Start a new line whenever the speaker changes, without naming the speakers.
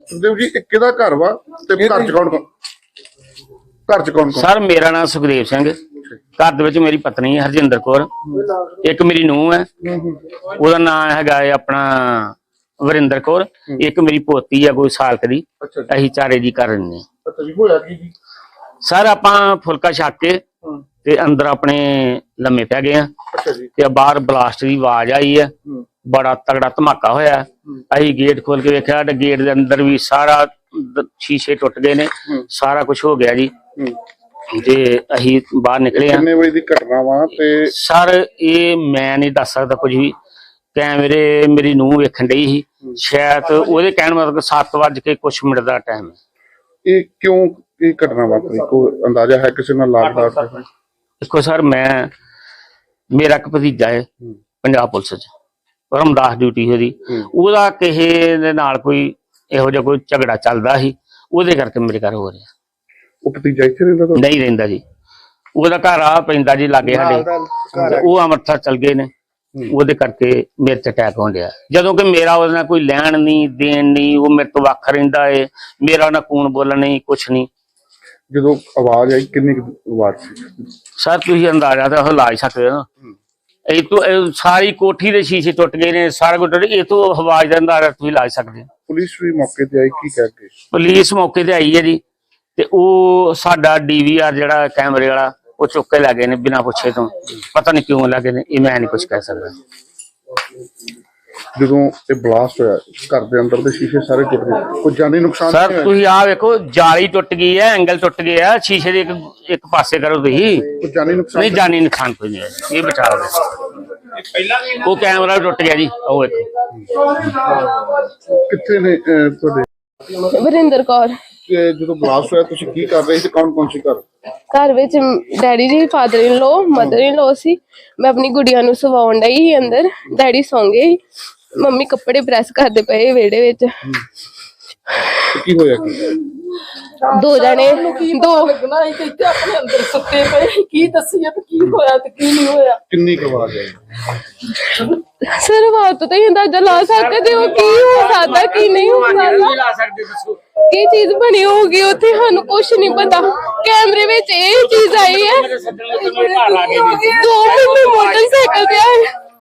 ਸੁਖਦੇਵ ਜੀ, ਇਹ ਕਿਹਦਾ ਘਰ ਵਾ ਤੇ ਘਰ ਚ ਕੌਣ ਕੌਣ
ਸਰ ਮੇਰਾ ਨਾਮ ਸੁਖਦੇਵ ਸਿੰਘ। ਘਰ ਦੇ ਵਿੱਚ ਮੇਰੀ ਪਤਨੀ ਹਰਜਿੰਦਰ ਕੌਰ, ਇੱਕ ਮੇਰੀ ਨੂੰਹ ਹੈ, ਉਹਦਾ ਨਾਮ ਹੈਗਾ ਆਪਣਾ ਵਰਿੰਦਰ ਕੌਰ, ਇੱਕ ਮੇਰੀ ਪੋਤੀ ਆ ਕੋਈ ਸਾਲ ਦੀ। ਅਸੀਂ ਚਾਰੇ ਜੀ ਕਰ ਰਹੇ ਹਾਂ। ਸਰ ਆਪਾਂ ਫੁਲਕਾ ਛੱਕ ਕੇ ਤੇ ਅੰਦਰ ਆਪਣੇ ਲੰਮੇ ਪੈ ਗਏ ਆ ਤੇ ਬਾਹਰ ਬਲਾਸਟ ਦੀ ਆਵਾਜ਼ ਆਈ ਹੈ, ਬੜਾ ਤਗੜਾ ਧਮਾਕਾ ਹੋਇਆ। ਅਸੀਂ ਗੇਟ ਖੋਲ ਕੇ ਵੇਖਿਆ ਤੇ ਗੇਟ ਦੇ ਅੰਦਰ ਵੀ ਸਾਰਾ ਸ਼ੀਸ਼ੇ ਟੁੱਟ ਗਏ ਨੇ, ਸਾਰਾ ਕੁਝ ਹੋ ਗਿਆ ਜੀ। ਤੇ ਅਸੀਂ ਬਾਹਰ ਨਿਕਲੇ ਆ।
ਕਿੰਨੇ ਵਜੇ ਦੀ ਘਟਨਾ ਵਾ? ਤੇ
ਸਰ ਇਹ ਮੈਂ ਨਹੀਂ ਦੱਸ ਸਕਦਾ ਕੁਝ ਵੀ, ਕੈਮਰੇ ਮੇਰੀ ਨੂੰਹ ਵੇਖਣ ਡਈ ਸੀ, ਸ਼ਾਇਦ ਉਹਦੇ ਕਹਿਣ ਮਤਲਬ 7 ਵੱਜ ਕੇ ਕੁਛ ਮਿੰਟ ਦਾ ਟਾਈਮ ਹੈ।
ਇਹ ਕਿਉਂ ਇਹ ਘਟਨਾ ਵਾਪਰੀ, ਕੋਈ ਅੰਦਾਜ਼ਾ ਹੈ ਕਿਸੇ ਨਾਲ ਲਾਗਦਾਰ?
ਦੇਖੋ ਸਰ, ਮੇਰਾ ਇੱਕ ਭਤੀਜਾ ਹੈ ਪੰਜਾਬ ਪੁਲਿਸ ਚ, ਰਮਦਾਸ ਡਿਊਟੀ ਉਹਦੀ, ਉਹਦਾ ਕਿਸੇ ਦੇ ਨਾਲ ਕੋਈ ਇਹੋ ਜਿਹਾ ਕੋਈ ਝਗੜਾ ਚੱਲਦਾ ਸੀ, ਉਹਦੇ ਕਰਕੇ ਮੇਰੇ ਘਰ ਹੋ ਰਿਹਾ।
ਉਹ ਭਤੀਜਾ ਇੱਥੇ ਰਹਿੰਦਾ?
ਨਹੀਂ ਰਹਿੰਦਾ ਜੀ, ਉਹਦਾ ਘਰ ਆ ਪੈਂਦਾ ਜੀ ਲਾਗੇ ਸਾਡੇ, ਉਹ ਅੰਮ੍ਰਿਤਸਰ ਚਲ ਗਏ ਨੇ, ਉਹਦੇ ਕਰਕੇ ਮੇਰੇ ਤੇ ਅਟੈਕ ਹੋਣ ਡਿਆ। ਜਦੋਂ ਕਿ ਮੇਰਾ ਉਹਦੇ ਨਾਲ ਕੋਈ ਲੈਣ ਨਹੀਂ ਦੇਣ ਨਹੀਂ, ਉਹ ਮੇਰੇ ਤੋਂ ਵੱਖ ਰਹਿੰਦਾ ਏ, ਮੇਰਾ ਨਾ ਕੂਣ ਬੋਲਣ ਨਹੀਂ, ਕੁਛ ਨਹੀਂ।
ਜਦੋਂ ਆਵਾਜ਼ ਆਈ ਕਿੰਨੀ ਆਵਾਜ਼ ਸੀ?
ਸਰ ਤੁਸੀਂ ਅੰਦਾਜ਼ਾ ਤਾਂ ਲਾ ਹੀ ਸਕਦੇ ਹੋ ਨਾ, ਇਹ ਤੋਂ ਸਾਰੀ ਕੋਠੀ ਦੇ ਸ਼ੀਸ਼ੇ ਟੁੱਟ ਗਏ ਨੇ, ਸਾਰਾ ਕੁਝ ਟੁੱਟ, ਇਹ ਤੋਂ ਆਵਾਜ਼ ਦਾ ਅੰਦਾਜ਼ਾ ਤੁਸੀਂ ਲਾ ਸਕਦੇ ਹੋ।
ਪੁਲਿਸ ਵੀ ਮੌਕੇ ਤੇ ਆਈ, ਕੀ ਕਹਿ ਕੇ?
ਪੁਲਿਸ ਮੌਕੇ ਤੇ ਆਈ ਹੈ ਜੀ, ਤੇ ਉਹ ਸਾਡਾ DVR ਜਿਹੜਾ ਕੈਮਰੇ ਵਾਲਾ ਉਹ ਚੁੱਕ ਕੇ ਲੈ ਗਏ ਨੇ ਬਿਨਾਂ ਪੁੱਛੇ ਤੋਂ, ਪਤਾ ਨਹੀਂ ਕਿਉਂ ਲੈ ਗਏ ਨੇ, ਇਹ ਮੈਂ ਨਹੀਂ ਕੁਝ ਕਹਿ ਸਕਦਾ।
ਜਦੋਂ ਇਹ ਬਲਾਸਟ ਹੋਇਆ ਘਰ ਦੇ ਅੰਦਰ ਦੇ ਸ਼ੀਸ਼ੇ ਸਾਰੇ ਟੁੱਟ ਗਏ, ਕੋਈ ਜਾਨੀ ਨੁਕਸਾਨ?
ਸਰ ਤੁਸੀਂ ਆਹ ਵੇਖੋ, ਜਾਲੀ ਟੁੱਟ ਗਈ ਹੈ, ਐਂਗਲ ਟੁੱਟ ਗਿਆ, ਸ਼ੀਸ਼ੇ ਦੇ ਇੱਕ ਪਾਸੇ ਕਰੋ ਤੁਸੀਂ।
ਕੋਈ ਜਾਨੀ ਨੁਕਸਾਨ
ਨਹੀਂ, ਜਾਨੀ ਨੁਕਸਾਨ ਕੋਈ ਨਹੀਂ ਹੈ, ਇਹ ਬਚਾਅ ਹੈ। ਉਹ ਕੈਮਰਾ ਟੁੱਟ ਗਿਆ ਜੀ, ਉਹ ਵੇਖੋ।
ਕਿੱਥੇ ਨੇ ਤੁਹਾਡੇ?
ਵਰਿੰਦਰ ਕੌਰ।
ਜਦੋਂ ਬਲਾਸਟ ਹੋਇਆ ਤੁਸੀਂ ਕੀ ਕਰ ਰਹੇ ਸੀ, ਕੌਣ ਸੀ ਘਰ?
ਘਰ ਵਿੱਚ ਡੈਡੀ ਜੀ, father in low, mother in ਲੋ ਸੀ। ਮੈਂ ਆਪਣੀ ਗੁੜੀਆ ਨੂੰ ਸਵਾਉਣ ਡਈ ਸੀ ਅੰਦਰ, ਡੈਡੀ ਸੌਂ ਗਏ, ਮੰਮੀ ਕੱਪੜੇ ਪ੍ਰੈਸ ਕਰਦੇ ਪਏ ਵਿਹੜੇ ਵਿੱਚ।
ਕੀ ਹੋਇਆ?
ਦੋ ਜਣੇ
ਲੱਗਣਾ ਸੀ ਕਿ ਇੱਥੇ ਆਪਣੇ ਅੰਦਰ ਸੁੱਤੇ ਪਏ, ਕੀ ਦੱਸੀਏ ਤੇ ਕੀ ਹੋਇਆ ਤੇ ਕੀ ਨਹੀਂ ਹੋਇਆ।
ਕਿੰਨੀ ਕੁ ਆਵਾਜ਼ ਆਈ?
ਸਰ ਬਾਤ ਤਾਂ ਹੀ ਅੰਦਾਜ਼ਾ ਲਾ ਸਕਦੇ ਹੋ ਕੀ ਹੋ ਸਕਦਾ ਕੀ ਨਹੀਂ ਹੋ ਸਕਦਾ, ਕੀ ਚੀਜ਼ ਬਣੀ ਹੋਊਗੀ ਉੱਥੇ, ਸਾਨੂੰ ਕੁਛ ਨਹੀਂ ਪਤਾ। ਕੈਮਰੇ ਵਿੱਚ ਇਹ ਚੀਜ਼ ਆਈ ਹੈ, 2 ਮੋਟਰਸਾਈਕਲ ਤੇ ਆਏ।